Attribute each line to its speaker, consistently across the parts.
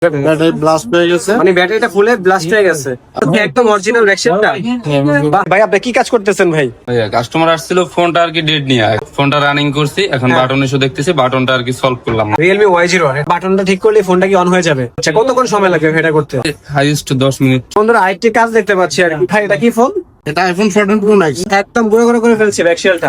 Speaker 1: Battery blast হয়ে গেছে,
Speaker 2: মানে ব্যাটারিটা ফুলে ব্লাস্ট হয়ে গেছে। একদম অরিজিনাল ভ্যাকসিনটা। ভাই আপনি কি কাজ করতেছেন ভাই?
Speaker 3: কাস্টমার আসছিল, ফোনটা আর কি ডেট নিয়ে ফোনটা রানিং করছি, এখন বাটন এসে দেখতেছি, বাটনটা আর কি সলভ করলাম।
Speaker 2: Realme Y01 বাটনটা ঠিক করলে ফোনটা কি অন হয়ে যাবে? আচ্ছা কতক্ষণ সময় লাগবে এটা করতে?
Speaker 3: Highest 10 minute.
Speaker 2: বন্ধুরা আরেকটি কাজ দেখতে পাচ্ছি আর কি। ভাই এটা কি ফোন?
Speaker 1: এটা আইফোন 14 প্রো ম্যাক্স।
Speaker 2: একদম গুঁড়ো গুঁড়ো করে ফেলছে ব্যাকশেলটা।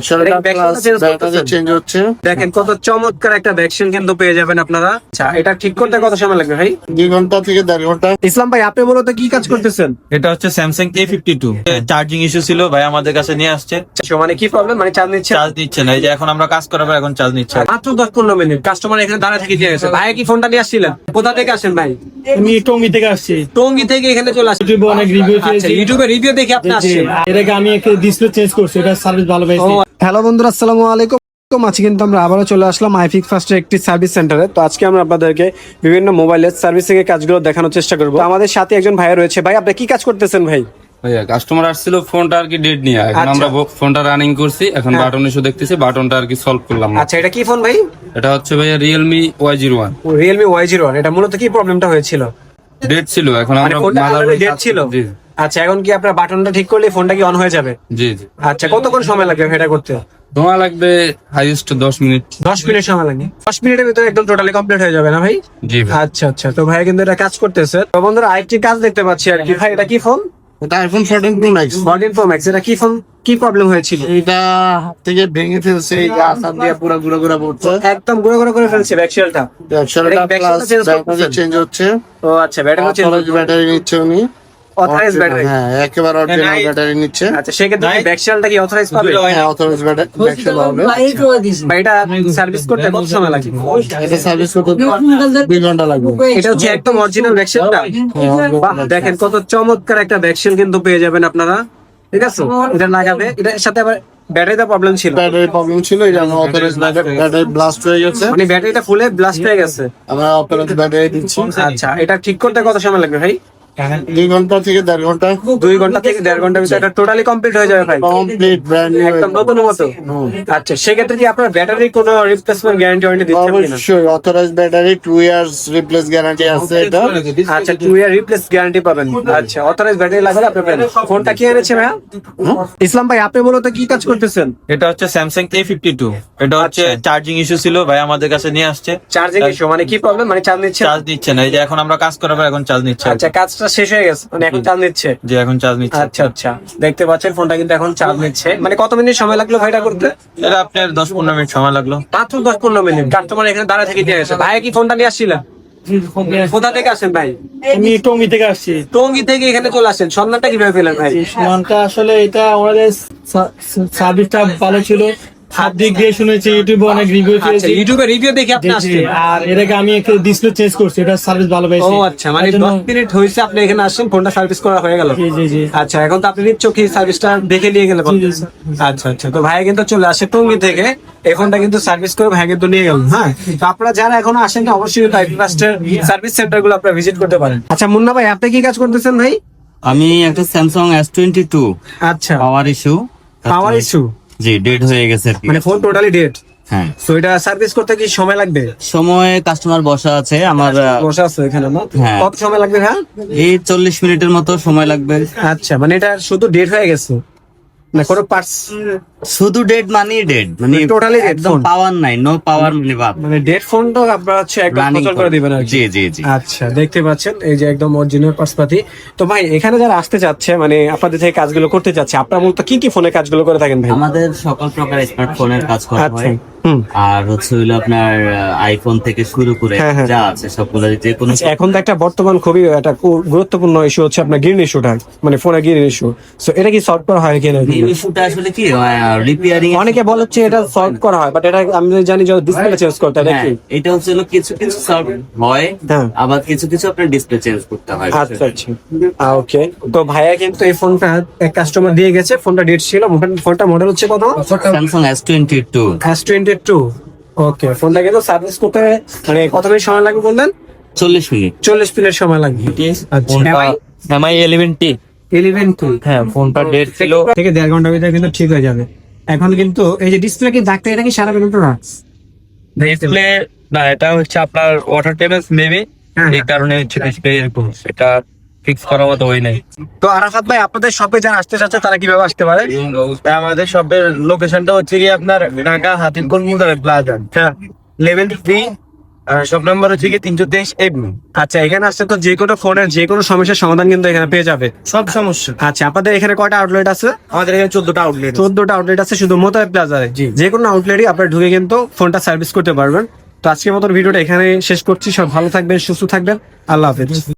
Speaker 1: চেঞ্জ হচ্ছে।
Speaker 2: দেখেন কত চমৎকার একটা ভ্যাকসিন কিন্তু পেয়ে যাবেন আপনারা। আচ্ছা এটা ঠিক করতে কত সময় লাগবে ভাই?
Speaker 1: 2 ঘন্টা থেকে 1.5 ঘন্টা।
Speaker 2: ইসলাম ভাই আপনি মূলত কি কাজ করতেছেন?
Speaker 4: এটা হচ্ছে স্যামসাং A52 চার্জিং ইস্যু ছিল, ভাই আমাদের কাছে নিয়ে আসছে।
Speaker 2: মানে কি প্রবলেম? মানে চার্জ নিচ্ছে
Speaker 4: চার্জ দিচ্ছে না, এই যে এখন আমরা কাজ করাবো, এখন চার্জ নিচ্ছে।
Speaker 2: মাত্র 10-15 মিনিট কাস্টমার এখানে দাঁড়া থেকে দিয়ে গেছে। ভাই কি ফোনটা নিয়ে আসছিলেন? কোথা থেকে আসেন ভাই?
Speaker 5: আমি টঙ্গী থেকে আসছি।
Speaker 2: টঙ্গী থেকে এখানে চলে আসছেন।
Speaker 5: ইউটিউবে অনেক রিভিউ
Speaker 2: আচ্ছা
Speaker 5: পেয়েছি।
Speaker 2: ইউটিউবে রিভিউ দেখে আপনি আসছেন।
Speaker 5: এর আগে আমি একটা ডিসপ্লে চেঞ্জ করছি, এটা সার্ভিস ভালো পেয়েছি।
Speaker 2: হ্যালো বন্ধুরা, আসসালামু আলাইকুম। আজকে কিন্তু আমরা আবারও চলে আসলাম আইফিক্স ফার্স্টের একটি সার্ভিস সেন্টারে। তো আজকে আমরা আপনাদেরকে বিভিন্ন মোবাইলের সার্ভিসিং এর কাজগুলো দেখানোর চেষ্টা করব। আমাদের সাথে একজন ভাই রয়েছে। ভাই আপনি কি কাজ করতেছেন ভাই?
Speaker 3: কাস্টমার আসছিল, ফোনটা আর কি ডেট নিয়ে এখন
Speaker 2: আচ্ছা।
Speaker 3: আমরা ফোনটা রানিং করছি, এখন বাটন এসে দেখতেছি, বাটনটা আর কি সলভ করলাম।
Speaker 2: আচ্ছা এটা কি ফোন ভাই?
Speaker 3: এটা হচ্ছে ভাইয়া Realme Y01।
Speaker 2: Realme Y01। এটা মূলত কি প্রবলেমটা হয়েছিল?
Speaker 3: ডেট ছিল, এখন
Speaker 2: মানে
Speaker 3: আমরা
Speaker 2: ফোনটা
Speaker 3: motherboard
Speaker 2: ডেট ছিল।
Speaker 3: জি
Speaker 2: আচ্ছা এখন কি আপনার বাটনটা ঠিক করলে ফোনটা কি অন হয়ে যাবে?
Speaker 3: জি জি।
Speaker 2: আচ্ছা কতক্ষণ সময় লাগবে এটা করতে?
Speaker 3: তোমার লাগবে হাইয়েস্ট 10 মিনিট।
Speaker 2: 10 মিনিট সময় লাগে। 10 মিনিটের ভিতরে একদম টোটালি কমপ্লিট হয়ে যাবে না ভাই?
Speaker 3: জি ভাই।
Speaker 2: আচ্ছা আচ্ছা, তো ভাই কিন্তু এটা কাজ করতেছে। তো বন্ধুরা আরেকটি কাজ দেখতে পাচ্ছি আর কি। ভাই এটা কি ফোন?
Speaker 1: এটা iPhone 14 pro max.
Speaker 2: 14 Pro Max। এটা কি ফোন? কি প্রবলেম হয়েছিল?
Speaker 1: এটা হাত থেকে ভেঙে ফেলছে, এই গাছ আর দিয়ে পুরো গুঁড়ো গুঁড়ো পড়ছে।
Speaker 2: একদম গুঁড়ো গুঁড়ো করে ফেলছে ব্যাকশেলটা।
Speaker 1: ব্যাটারিটা প্লাস ব্যাটারি চেঞ্জ হচ্ছে।
Speaker 2: ও আচ্ছা ব্যাটারি চেঞ্জ।
Speaker 1: অথরাইজ ব্যাটারি নিচ্ছে উনি।
Speaker 2: Authorise battery.
Speaker 1: হ্যাঁ একেবারে অরিজিনাল ব্যাটারি নিচ্ছে।
Speaker 2: আচ্ছা সেক্ষেত্রে ব্যাকশেলটা কি অথরাইজ পাবে?
Speaker 1: হ্যাঁ অথরাইজ ব্যাটারি হবে।
Speaker 2: বা এটা সার্ভিস করতে কত সময় লাগে?
Speaker 1: এটা সার্ভিস করতে 2 ঘন্টা লাগবে।
Speaker 2: এটা হচ্ছে একদম অরিজিনাল ব্যাকশেলটা। বাহ দেখেন কত চমৎকার একটা ব্যাকশেল কিন্তু পেয়ে যাবেন আপনারা। ঠিক আছে এটা লাগাবে, এটার সাথে আবার ব্যাটারিতে প্রবলেম ছিল।
Speaker 1: ব্যাটারি প্রবলেম ছিল, এটা আমরা অথরাইজ ব্যাটারি ব্লাস্ট হয়ে গেছে।
Speaker 2: মানে ব্যাটারিটা ফুলে ব্লাস্ট হয়ে গেছে।
Speaker 1: আমরা অথরাইজ ব্যাটারি দিচ্ছি।
Speaker 2: আচ্ছা এটা ঠিক করতে কত সময় লাগবে ভাই?
Speaker 1: 2 ঘন্টা থেকে 1.5 ঘন্টা।
Speaker 2: 2 ঘন্টা থেকে 1.5 ঘন্টার ভিতরে এটা টোটালি কমপ্লিট হয়ে যাবে ভাই।
Speaker 1: Complete brand new.
Speaker 2: একদম নতুন মতো। আচ্ছা সেক্ষেত্রে কি আপনার ব্যাটারি কোনো রিপ্লেসমেন্ট গ্যারান্টি ওয়ারেন্টি দিচ্ছেন কিনা?
Speaker 1: অবশ্যই authorise battery 2 years replace guarantee আছে এটা।
Speaker 2: আচ্ছা 2 ইয়ার রিপ্লেস গ্যারান্টি পাবেন। আচ্ছা অথরাইজ ব্যাটারি লাগলে আপনি পাবেন। ফোনটা কি এনেছে ভাই? ইসলাম ভাই আপনি মূলত কি কাজ করতেছেন?
Speaker 4: এটা হচ্ছে স্যামসাং A52 এটা হচ্ছে চার্জিং ইস্যু ছিল, ভাই আমাদের কাছে নিয়ে আসছে।
Speaker 2: চার্জিং ইস্যু মানে কি প্রবলেম? মানে চার্জ নিচ্ছে
Speaker 4: চার্জ দিচ্ছে না, এই যে এখন আমরা কাজ করাবো, এখন চার্জ নিচ্ছে।
Speaker 2: আচ্ছা কাজটা শেষ হয়ে গেছে, মানে এখন চার্জ নিচ্ছে।
Speaker 4: যে এখন চার্জ নিচ্ছে।
Speaker 2: আচ্ছা আচ্ছা দেখতে পাচ্ছেন ফোনটা কিন্তু এখন চার্জ নিচ্ছে। মানে কত মিনিট সময় লাগলো ভাইটা করতে?
Speaker 4: এটা আপনার 10-15 মিনিট সময় লাগলো।
Speaker 2: মাত্র 10-15 মিনিট কাস্টমার এখানে দাঁড়া থেকে দিয়ে গেছে। ভাই কি ফোনটা নিয়ে আসছিলেন? কোথা থেকে আসেন ভাই?
Speaker 5: আমি টঙ্গী থেকে আসছি।
Speaker 2: টঙ্গী থেকে এখানে চলে আসেন। সন্ধানটা কিভাবে পেলেন ভাই?
Speaker 5: মানটা আসলে এটা আমাদের সার্ভিসটা ভালো ছিল, সব দিক দিয়ে শুনেছি, ইউটিউবে অনেক রিভিউ
Speaker 2: আচ্ছা
Speaker 5: পেয়েছি।
Speaker 2: ইউটিউবে রিভিউ দেখে আপনি আসছেন।
Speaker 5: আর এর আগে আমি একটা ডিসপ্লে চেঞ্জ করছি, এটা সার্ভিস ভালো
Speaker 2: ও
Speaker 5: পেয়েছি।
Speaker 2: আচ্ছা মানে
Speaker 5: তার জন্য-
Speaker 2: 10 মিনিট হয়েছে আপনি এখানে আসছেন, ফোনটা সার্ভিস করা হয়ে গেল।
Speaker 5: জি জি জি।
Speaker 2: আচ্ছা এখন তো আপনি নিজ চোখে সার্ভিসটা দেখে নিয়ে গেলেন। আচ্ছা আচ্ছা, তো ভাই কিন্তু চলে আসে টঙ্গী থেকে, এই ফোনটা কিন্তু সার্ভিস করে ভাই কিন্তু নিয়ে গেল। হ্যাঁ তো আপনারা যারা এখনো আসেন না অবশ্যই ফার্স্টের সার্ভিস সেন্টার গুলো আপনারা ভিজিট করতে পারেন। আচ্ছা মুন্না ভাই আপনি কি কাজ করতেছেন ভাই?
Speaker 6: আমি একটা স্যামসাং S22
Speaker 2: আচ্ছা
Speaker 6: পাওয়ার ইস্যু।
Speaker 2: পাওয়ার ইস্যু
Speaker 6: জি, ডেড হয়ে গেছে আর কি।
Speaker 2: মানে ফোন টোটালি ডেড।
Speaker 6: হ্যাঁ,
Speaker 2: সো এটা সার্ভিস করতে কি সময় লাগবে?
Speaker 6: সময় কাস্টমার বসা আছে আমার,
Speaker 2: বসে আছে এখানে না?
Speaker 6: হ্যাঁ।
Speaker 2: কত সময় লাগবে হ্যাঁ?
Speaker 6: এই 40 মিনিটের মতো সময় লাগবে।
Speaker 2: আচ্ছা মানে এটা শুধু ডেট হয়ে গেছে না কোনো পার্টস?
Speaker 6: শুধু ডেড মানে ডেড, মানে
Speaker 2: Totally dead
Speaker 6: একদম
Speaker 2: phone?
Speaker 6: পাওয়ার নাই, নো পাওয়ার মানে বাপ।
Speaker 2: মানে ডেট ফোনটা আপনারা হচ্ছে একদম
Speaker 6: Running
Speaker 2: প্রচার করে দিবেন আর কি।
Speaker 6: জি জি জি।
Speaker 2: আচ্ছা দেখতে পাচ্ছেন এই যে একদম অরিজিনাল পার্সপাতি। তো ভাই এখানে যারা আসতে চাচ্ছে মানে আপনাদের থেকে কাজগুলো করতে চাচ্ছে, আপনারা মূলত কি কি ফোনে কাজগুলো করে থাকেন ভাই?
Speaker 6: আমাদের সকল প্রকার স্মার্টফোনের কাজ করা
Speaker 2: আচ্ছা
Speaker 6: হয়।
Speaker 2: হুম।
Speaker 6: আর হচ্ছে হইলো আপনার আইফোন থেকে শুরু করে
Speaker 2: হ্যাঁ, হ্যাঁ।
Speaker 6: যা আছে সবগুলো, যে কোনো
Speaker 2: আচ্ছা, এখন তো একটা বর্তমান খুবই একটা গুরুত্বপূর্ণ ইস্যু হচ্ছে আপনার গ্রিন ইস্যুটা, মানে ফোনে গ্রিন ইস্যু। সো এটা কি সলভ করা হয় কিনা?
Speaker 6: এই ইস্যুটা আসলে কি রিপেয়ারিং।
Speaker 2: অনেকে বলে হচ্ছে এটা সলভ করা হয়, বাট এটা আমি জানি যে ডিসপ্লে চেঞ্জ করতে হয়
Speaker 6: হ্যাঁ,
Speaker 2: নাকি?
Speaker 6: এটা হচ্ছে হলো কিছু কিছু সলভ হয়,
Speaker 2: হ্যাঁ।
Speaker 6: আবার কিছু কিছু আপনার ডিসপ্লে চেঞ্জ করতে হয়।
Speaker 2: আচ্ছা আচ্ছা ওকে। তো ভাইয়া কিন্তু এই ফোনটা এক কাস্টমার দিয়ে গেছে, ফোনটা ডেট ছিল। ফোনটা মডেল হচ্ছে কত?
Speaker 6: Samsung S22।
Speaker 2: S22। ওকে ফোনটা কিন্তু সার্ভিস করতে মানে কত মিনিট সময় লাগবে বললেন?
Speaker 6: 40 মিনিট।
Speaker 2: 40 মিনিট সময় লাগবে। আচ্ছা
Speaker 4: MI 11T
Speaker 2: 11
Speaker 4: হ্যাঁ, ফোনটা ডেট ছিল।
Speaker 2: থেকে 1.5 ঘন্টার ভিতরে কিন্তু ঠিক হয়ে যাবে। এখন কিন্তু এই যে ডিসপ্লে কি দাগটা এটা কি সারা বেরোতো না?
Speaker 4: ডিসপ্লে না, এটা হচ্ছে আপনার ওয়াটার টেবিল মেবি
Speaker 2: হ্যাঁ।
Speaker 3: এই কারণে হচ্ছে ডিসপ্লে এরকম হচ্ছে। এটা ফিক্স করার মতো ওই নাই।
Speaker 2: তো আরাফাত ভাই আপনাদের শপে যারা আসতে চাচ্ছে তারা কিভাবে আসতে পারে?
Speaker 1: আমাদের শপের লোকেশনটা হচ্ছে কি আপনার ঢাকা হাতিরপুল মুদার প্লাজা,
Speaker 2: হ্যাঁ।
Speaker 1: লেভেল 3, শপ নাম্বার হচ্ছে কি 323 এভনিউ।
Speaker 2: আচ্ছা, এখানে আসলে তো যে কোনো ফোনের যে কোনো সমস্যার সমাধান কিন্তু এখানে পেয়ে যাবে।
Speaker 1: সব সমস্যা।
Speaker 2: আচ্ছা, আপনাদের এখানে কয়টা আউটলেট আছে?
Speaker 1: আমাদের এখানে 14টা আউটলেট।
Speaker 2: 14টা আউটলেট আছে শুধু মোতায়েব প্লাজায়। যে কোনো আউটলেটই আপনারা ঢুকে কিন্তু ফোনটা সার্ভিস করতে পারবেন। তো আজকের মতো ভিডিওটা এখানে শেষ করছি। সব ভালো থাকবেন, সুস্থ থাকবেন, আল্লাহ হাফেজ।